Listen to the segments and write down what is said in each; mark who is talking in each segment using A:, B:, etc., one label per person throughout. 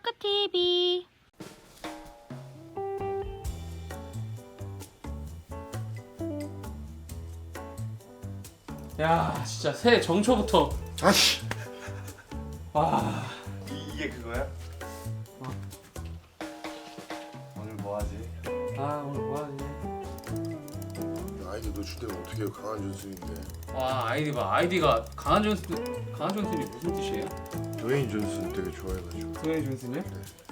A: 토크TV.
B: 야 진짜 새해 정초부터
C: 아씨
B: 와
C: 이게 그거야? 오늘 뭐하지?
B: 오늘 뭐하지?
D: 아이디 노출되면 어떻게 해요? 강한 준수인데.
B: 와 아이디 봐. 아이디가 강한 존슨이 무슨 뜻이에요?
D: 드웨인 존슨 되게 좋아해가지고.
B: 드웨인 존슨이요?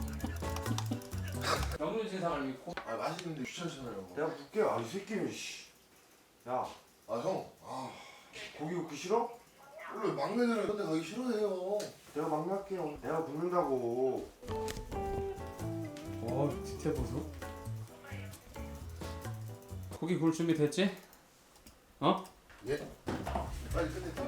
B: 명륜 신상을 믿고
D: 아 맛있는데 귀찮잖아요.
C: 내가 묻게. 아 이 새끼는 씨. 야
D: 아 형, 아
C: 고기 굽기 싫어?
D: 원래 막내들은 그런데 가기 싫어해요.
C: 내가 막날게요. 내가 굽는다고.
B: 와 디테일 보소. 고기 구울 준비 됐지? 어?
D: 예? 빨리 끝내.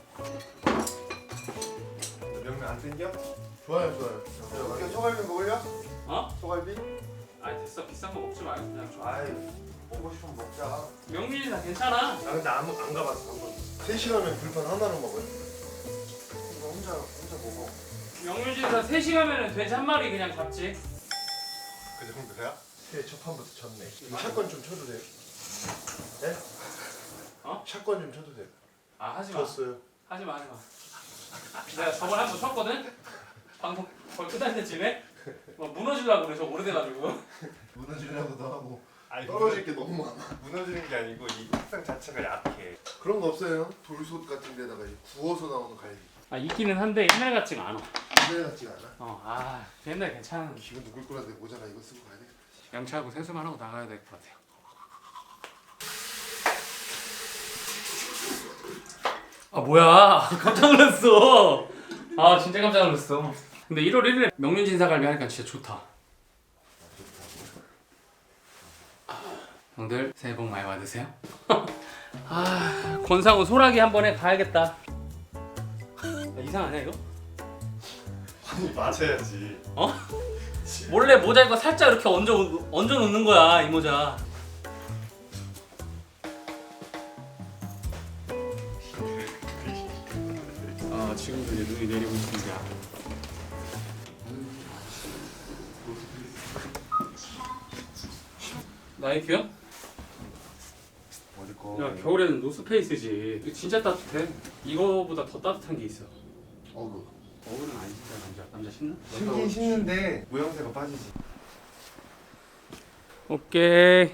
C: 명면 안 땡겨?
D: 좋아요, 좋아요.
C: 야, 소갈비 먹을려?
B: 어?
C: 소갈비?
B: 아니 됐어. 비싼 거 먹지 말고 그냥 줘.
C: 아이 먹고 싶으면 먹자.
B: 명륜이 다 괜찮아.
C: 나 근데 안 가봤어 한 번.
D: 3시간면 불판 하나로 먹어요?
C: 이거 혼자 먹어.
B: 명륜 신상 3시간이면 돼지 한 마리 그냥 잡지.
D: 그 정도야? 새해 첫 판부터 쳤네. 이거 샷건 좀 쳐도 돼요? 네?
B: 어?
D: 샷건 좀 쳐도 돼요?
B: 아 하지 마.
D: 쳤어요.
B: 하지 마. 내가 저번에 한 번 쳤거든? 방송 거의 끝날 때쯤에 뭐 무너지려고 그래. 저 오래돼가지고.
D: 무너지려고도 하고
C: 아니
D: 떨어질 게 너무 많아.
C: 무너지는 게 아니고 이 색상 자체가 약해.
D: 그런 거 없어요? 돌솥 같은 데다가 구워서 나오는 갈비.
B: 아 있기는 한데 옛날 같지가 않아.
D: 옛날 같지가 않아?
B: 옛날 괜찮은
D: 기분 누굴 거라는데 모자라 이거 쓰고 가야 되겠다.
B: 양치하고 세수만 하고 나가야 될 것 같아요. 아 뭐야 깜짝 놀랐어. 아 진짜 깜짝 놀랐어. 근데 1월 1일에 명륜진사갈비 하니까 진짜 좋다. 형들 새해 복 많이 받으세요. 권상우 소라기 한 번에 가야겠다. 야, 이상하냐 이거?
C: 아니 맞아야지.
B: 어? 몰래 모자 이거 살짝 이렇게 얹어 놓는 거야 이 모자. 지금도 이제 눈이 내리고 있습니다. 나이키야?
C: 어디 거?
B: 야 겨울에는 노스페이스지. 이거 진짜 따뜻해. 이거보다 더 따뜻한 게 있어.
D: 어그.
B: 어울은 아니지 남자 신나?
C: 신긴 신는데 모양새가 빠지지.
B: 오케이.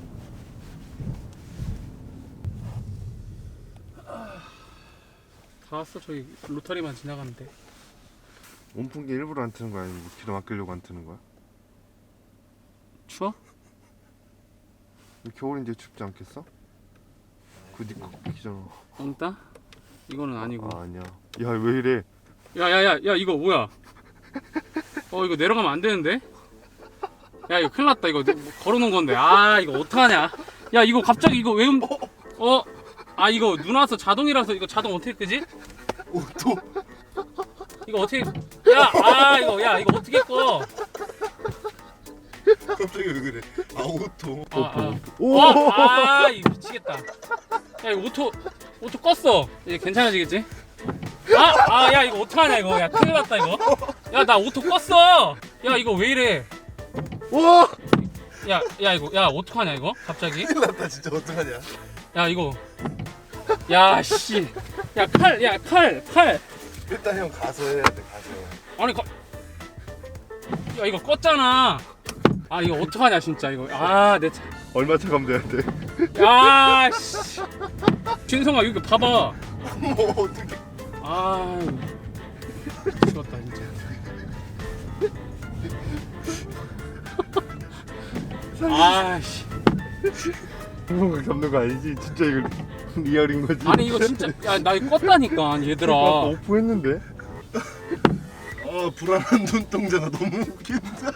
B: 다 왔어. 저기 로터리만 지나가면 돼.
C: 온풍기 일부러 안 트는 거야? 아니면 뭐 기름 아끼려고 안 트는 거야?
B: 추워?
C: 겨울인데 춥지 않겠어? 그니 걷기잖아.
B: 엉따? 이거는 아니고.
C: 아, 아니야. 야 왜 이래?
B: 야 이거 뭐야? 이거 내려가면 안 되는데? 야 이거 큰일 났다. 이거 걸어놓은 건데. 아 이거 어떡하냐? 야 이거 갑자기 이거 왜 이거 눈 와서 자동이라서 이거 자동 어떻게 끄지?
D: 오토.
B: 이거 어떻게? 이거 어떻게 꺼?
D: 갑자기 왜 그래? 아 오토.
B: 이거 미치겠다. 야 이거 오토 껐어. 이제 괜찮아지겠지? 야 이거 어떡하냐 이거. 야 큰일 났다 이거. 야 나 오토 껐어. 야 이거 왜 이래?
D: 와!
B: 야 이거 어떡하냐 이거 갑자기?
D: 큰일 났다 진짜 어떡하냐?
B: 야 이거 씨. 칼.
C: 일단 형 가서 해야 돼. 가서.
B: 아니 야 이거 껐잖아. 이거 어떡하냐 진짜 이거. 내 차.
C: 얼마 차 가면 되는데?
B: 씨. 진성아 이거 봐봐.
D: 뭐 어떻게?
B: 죽었다 진짜. 씨.
C: 형가 잡는 거 아니지? 진짜 이거 리얼인 거지?
B: 아니 이거 진짜 나 이거 껐다니까 얘들아.
C: 아까 오프했는데?
D: 불안한 눈동자가 너무 웃긴다.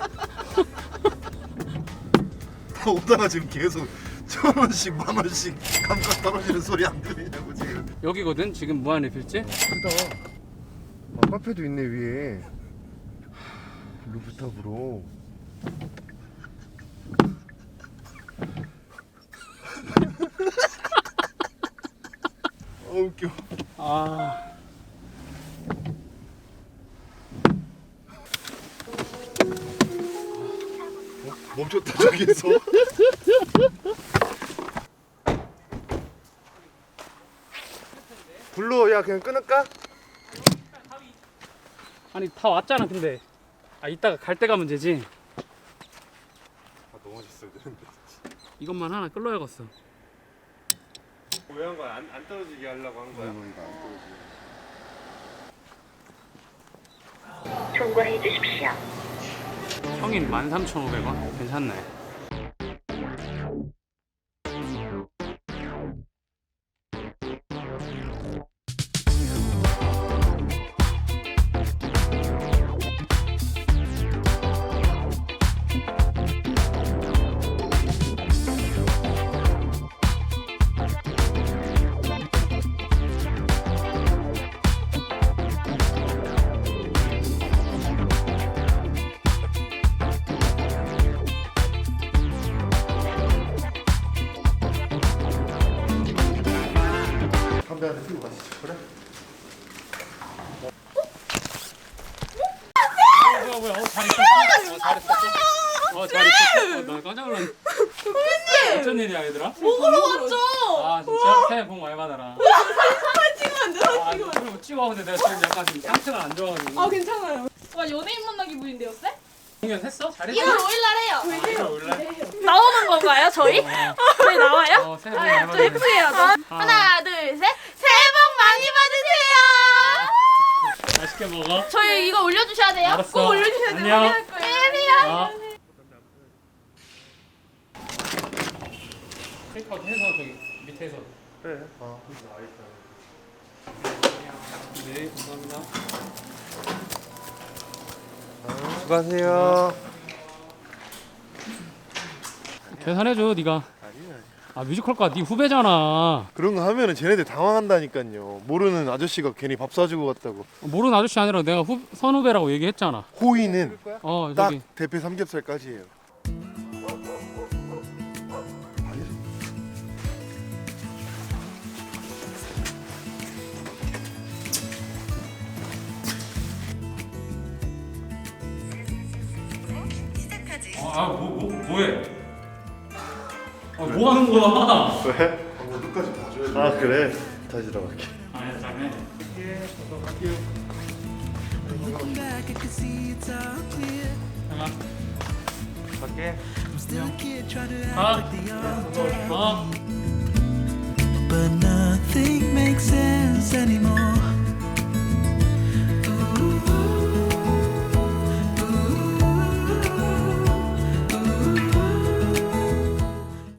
D: 다 오다가 지금 계속 1,000원씩 10,000원씩 감가 떨어지는 소리 안 들리냐고 지금.
B: 여기거든 지금 무한리필집.
C: 크다. 카페도 있네 위에. 루프탑으로.
D: 웃겨. 멈췄다 저기서. 불러. 야 그냥 끊을까?
B: 아니 다 왔잖아 근데. 아 이따가 갈 때 가면 되지.
C: 아 너무 맛있어야 되는데.
B: 이것만 하나 끌러야겠어.
C: 왜 한 거야? 안 떨어지게 하려고 한 거야?
A: 통과해 주십시오.
B: 형인 13,500원? 괜찮네.
D: 담배 하나 피우고 가시죠. 그래?
B: 뭐야 잘 있었어? 잘 있었어? 나 깜짝 놀랐네. 어쩐 일이야 얘들아?
E: 먹으러 왔죠.
B: 아 진짜? 새해 복 많이 받아라.
E: 사진 찍으면 안 돼.
B: 아 그리고 찍어. 근데 내가 지금 약간 지금 상태가 안 좋아가지고.
E: 아 괜찮아요. 와 연예인 만나기 분인데요, 쌤?
B: 공연 했어? 잘했어?
E: 1월 5일날 해요.
B: 이거 올래?
E: 나오는 건가요, 저희? 저희 나와요?
B: 새해 복 많이
E: 저
B: 받아라.
E: 예쁘게 해야죠. 하나, 둘, 셋. 새해 복 많이 받으세요.
B: 맛있게 먹어.
E: 저희 이거 올려주셔야 돼요.
B: 알았어.
E: 꼭 올려주셔야 돼요.
B: 안녕.
E: 확인할 거예요.
B: 아. 테이크아웃 해서 저기 밑에서.
C: 그래.
B: 네 감사합니다.
C: 수고하세요.
B: 계산해줘 네가.
C: 아니야.
B: 아 뮤지컬과 네 후배잖아.
C: 그런 거 하면은 쟤네들 당황한다니까요. 모르는 아저씨가 괜히 밥 사주고 갔다고.
B: 모르는 아저씨 아니라 내가 선후배라고 얘기했잖아.
C: 호의는 딱
B: 저기
C: 대패 삼겹살까지예요.
B: 뭐해? 뭐 하는 거야?
C: 왜?
D: 끝까지 봐줘야지.
C: 아 그래. 다시 들어갈게.
B: 아니야 잘해.
F: Looking back, I can see it's all clear.
C: 갈게.
F: I'm still a kid trying to act
B: 가.
F: like the old.
B: 어.
F: But nothing makes sense anymore.